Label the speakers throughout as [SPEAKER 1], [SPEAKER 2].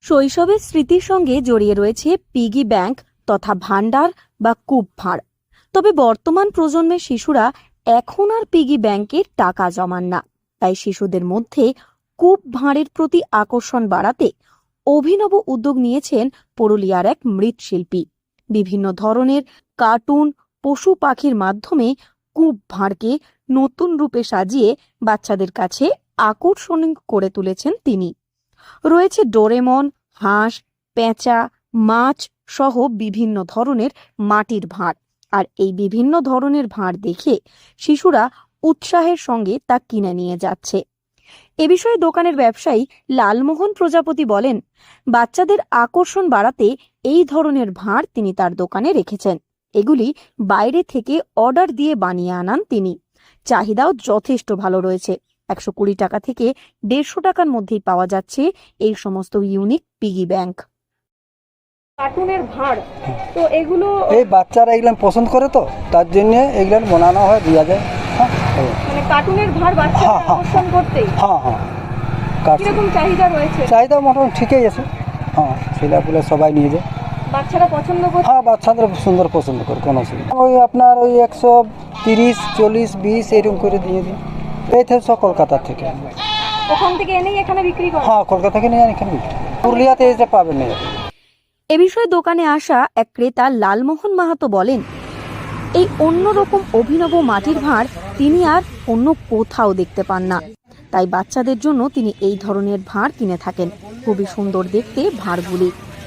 [SPEAKER 1] শৈশবের স্মৃতির সঙ্গে জড়িয়ে রয়েছে পিগি ব্যাংক তথা ভান্ডার বা কূপ ভাঁড়। তবে বর্তমান প্রজন্মের শিশুরা এখন আর পিগি ব্যাংকে টাকা জমান না। তাই শিশুদের মধ্যে কূপ ভাঁড়ের প্রতি আকর্ষণ বাড়াতে অভিনব উদ্যোগ নিয়েছেন পুরুলিয়ার এক মৃৎশিল্পী। বিভিন্ন ধরনের কার্টুন, পশু পাখির মাধ্যমে কূপ ভাঁড়কে নতুন রূপে সাজিয়ে বাচ্চাদের কাছে আকর্ষণীয় করে তুলেছেন তিনি। রয়েছে ডোরেমন, হাঁস, পেঁচা, মাছ সহ বিভিন্ন ধরনের মাটির ভাঁড়। আর এই বিভিন্ন ধরনের ভাঁড় দেখে শিশুরা উৎসাহের সঙ্গে তা কিনে নিয়ে যাচ্ছে। এ বিষয়ে দোকানের ব্যবসায়ী লালমোহন প্রজাপতি বলেন, বাচ্চাদের আকর্ষণ বাড়াতে এই ধরনের ভাঁড় তিনি তার দোকানে রেখেছেন। এগুলি বাইরে থেকে অর্ডার দিয়ে বানিয়ে আনান তিনি। চাহিদাও যথেষ্ট ভালো রয়েছে। 120 টাকা থেকে 150 টাকার মধ্যেই পাওয়া যাচ্ছে এই সমস্ত ইউনিক পিগি ব্যাংক।
[SPEAKER 2] কার্টুনের ভাঁড়, তো এগুলো
[SPEAKER 3] এই বাচ্চারা এগুলো পছন্দ করে, তো তার জন্য এগুলো বানানো হয়, দেওয়া যায়।
[SPEAKER 2] মানে কার্টুনের ভাঁড় বাচ্চাদের আকর্ষণ করতেই।
[SPEAKER 3] হ্যাঁ হ্যাঁ,
[SPEAKER 2] কিরকম চাহিদা রয়েছে?
[SPEAKER 3] চাহিদা মোটামুটি ঠিকই আছে। হ্যাঁ, ছেলেপুলে সবাই নিয়ে যায়।
[SPEAKER 2] বাচ্চারা পছন্দ করে?
[SPEAKER 3] হ্যাঁ, বাচ্চাদের সুন্দর পছন্দ করে, কোনো অসুবিধা। ওই আপনার ওই 130, 40, 20 এরকম করে দিয়ে দিই। এই থেকে সব কলকাতা থেকে।
[SPEAKER 2] ওখান থেকে এনেই এখানে বিক্রি করে?
[SPEAKER 3] হ্যাঁ, কলকাতা থেকে নিয়ে এখানে বিক্রি। পুরুলিয়াতে এসে পাবেন না।
[SPEAKER 1] এ বিষয়ে দোকানে আসা এক ক্রেতা লালমোহন মাহাতো বলেন, এই অন্যরকম অভিনব মাটির ভাঁড় তিনি আর অন্য কোথাও দেখতে পান না। তাই বাচ্চাদের জন্য তিনি এই ধরনের ভাঁড় কিনে থাকেন। খুবই সুন্দর দেখতে ভাঁড়গুলি।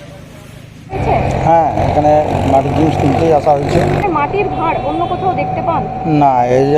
[SPEAKER 3] হ্যাঁ, এখানে মাটির জিনিস কিনতেই আসা হয়েছে।
[SPEAKER 2] মাটির ভাঁড় অন্য কোথাও দেখতে পান
[SPEAKER 3] না?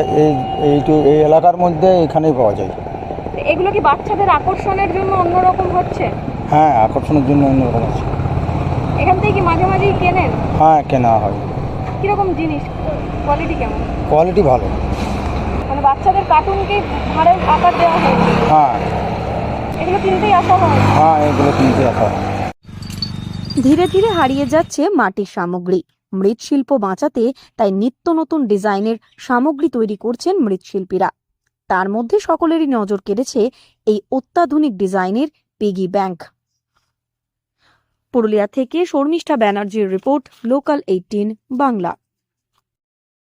[SPEAKER 3] এই এলাকার মধ্যে এখানেই পাওয়া যায়।
[SPEAKER 2] এগুলো কি বাচ্চাদের আকর্ষণের জন্য অন্যরকম হচ্ছে?
[SPEAKER 3] হ্যাঁ, আকর্ষণের জন্য অন্যরকম আছে।
[SPEAKER 2] এখান থেকে কি মাঝে মাঝেই কেনেন?
[SPEAKER 3] হ্যাঁ, কেনা হয়।
[SPEAKER 2] কিরকম জিনিস, কোয়ালিটি কেমন?
[SPEAKER 3] কোয়ালিটি ভালো।
[SPEAKER 2] মানে বাচ্চাদের কার্টুনকে ভাঁড়ের আকার দেওয়া হয়?
[SPEAKER 3] হ্যাঁ
[SPEAKER 2] এগুলো কিনতেই আসা হয়?
[SPEAKER 3] হ্যাঁ, এগুলো কিনতে আসা হয়।
[SPEAKER 1] ধীরে ধীরে হারিয়ে যাচ্ছে মাটির সামগ্রী। মৃৎশিল্প বাঁচাতে তাই নিত্য নতুন ডিজাইনের সামগ্রী তৈরি করছেন মৃৎশিল্পীরা। তার মধ্যে সকলেরই নজর কেড়েছে এই অত্যাধুনিক ডিজাইনের পিগি ব্যাংক। পুরুলিয়া থেকে শর্মিষ্ঠা ব্যানার্জির রিপোর্ট, লোকাল 18 বাংলা।